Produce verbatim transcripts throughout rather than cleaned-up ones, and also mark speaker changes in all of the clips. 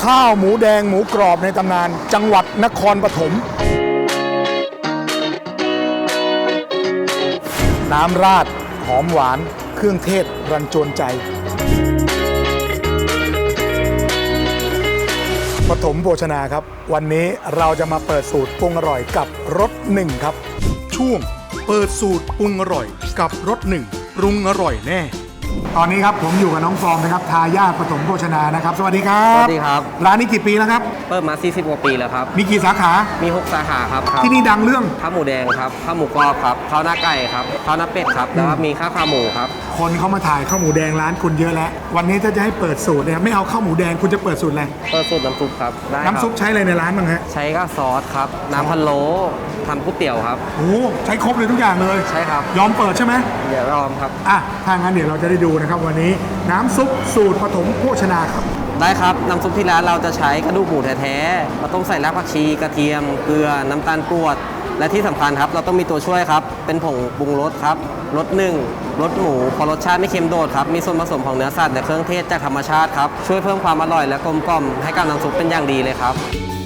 Speaker 1: ข้าวหมูแดงหมูกรอบในตำนานจังหวัดนครปฐมน้ำราดหอมหวานเครื่องเทศรันจวนใจปฐมโภชนาครับวันนี้เราจะมาเปิดสูตรปรุงอร่อยกับรสหนึ่งครับช่วงเปิดสูตรปรุงอร่อยกับรสหนึ่งปรุงอร่อยแน่ตอนนี้ครับผมอยู่กับน้องฟอร์มนะครับทายาทปฐมโภชนานะครับสวัสดีครับ
Speaker 2: สวัสดีครับ
Speaker 1: ร้านนี้กี่ปีแล้วครับ
Speaker 2: เปิดมาสี่สิบกว่าปีแล้วครับ
Speaker 1: มีกี่สาขา
Speaker 2: มีหกสาขาครับ
Speaker 1: ที่นี่ดังเรื่อง
Speaker 2: ข้าวหมูแดงครับข้าวหมูกรอบครับข้าวหน้าไก่ครับข้าวหน้าเป็ดครับแล้วก็มีข้าวขาหมูครับ
Speaker 1: คนเขามาถ่ายข้าวหมูแดงร้านคุณเยอะแล้ววันนี้ถ้าจะให้เปิดสูตรเนี่ยไม่เอาข้าวหมูแดงคุณจะเปิดสูตรอะไร
Speaker 2: เปิดสูตรน้ำซุปครับได้ครับ
Speaker 1: น้ำซุปใช้อะไรในร้านบ้างฮะ
Speaker 2: ใช้ก็ซอสครับน้ำพะโล้ทำก๋วยเตี๋ยวครับ
Speaker 1: โอ้ใช้ครบเลยทุกอย่างเลย
Speaker 2: ใช่ครับ
Speaker 1: ยอมเปิดใช่ไหม
Speaker 2: เดี๋ยวยอมครับ
Speaker 1: อ่ะถ้างั้นเดี๋ยวเราจะได้ดูนะครับวันนี้น้ำซุปสูตรปฐมโภชนาครับ
Speaker 2: ได้ครับน้ำซุปที่ร้านเราจะใช้กระดูกหมูแท้ๆเราต้องใส่รากผักชีกระเทียมเกลือน้ำตาลกรวดและที่สำคัญครับเราต้องมีตัวช่วยครับเป็นผงปรุงรสครับรสหนึ่งรสหมูพอรสชาติไม่เค็มโดดครับมีส่วนผสมของเนื้อสัตว์และเครื่องเทศจากธรรมชาติครับช่วยเพิ่มความอร่อยและกลมกล่อมให้กับน้ำซุปเป็นอย่างดีเลยครับ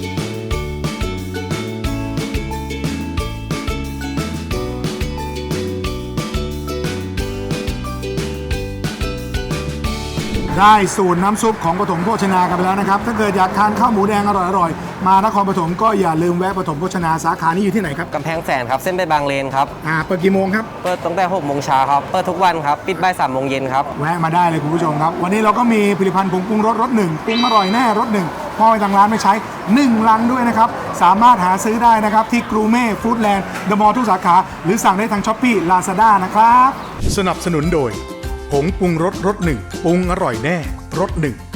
Speaker 1: ได้สูตรน้ำซุปของปฐมโภชนากันไปแล้วนะครับถ้าเกิดอยากทานข้าวหมูแดงอร่อยๆมานครปฐมก็อย่าลืมแวะปฐมโภชนาสาขานี้อยู่ที่ไหนครับ
Speaker 2: กำแพงแสนครับเส้นไปบางเลนครับ
Speaker 1: อ่าเปิดกี่โมงครับ
Speaker 2: เปิดตั้งแต่หกโมงเช้าครับเปิดทุกวันครับปิดบ่ายสามโมงเย็นครับ
Speaker 1: แวะมาได้เลยคุณผู้ชมครับวันนี้เราก็มีผลิตภัณฑ์ผงปรุงรสรสหนึ่งปรุงอร่อยแน่รสหนึ่งพ่อไปทางร้านไม่ใช้หนึ่งลังด้วยนะครับสามารถหาซื้อได้นะครับที่กรูเม่ฟู้ดแลนด์เดอะมอลล์ทุกสาขาหรือสั่งได้ทางช้อปปี้ลาซาด้านะครับสนับสนุนโดยผงปรุงรสรสหนึ่งปรุงอร่อยแน่รสหนึ่ง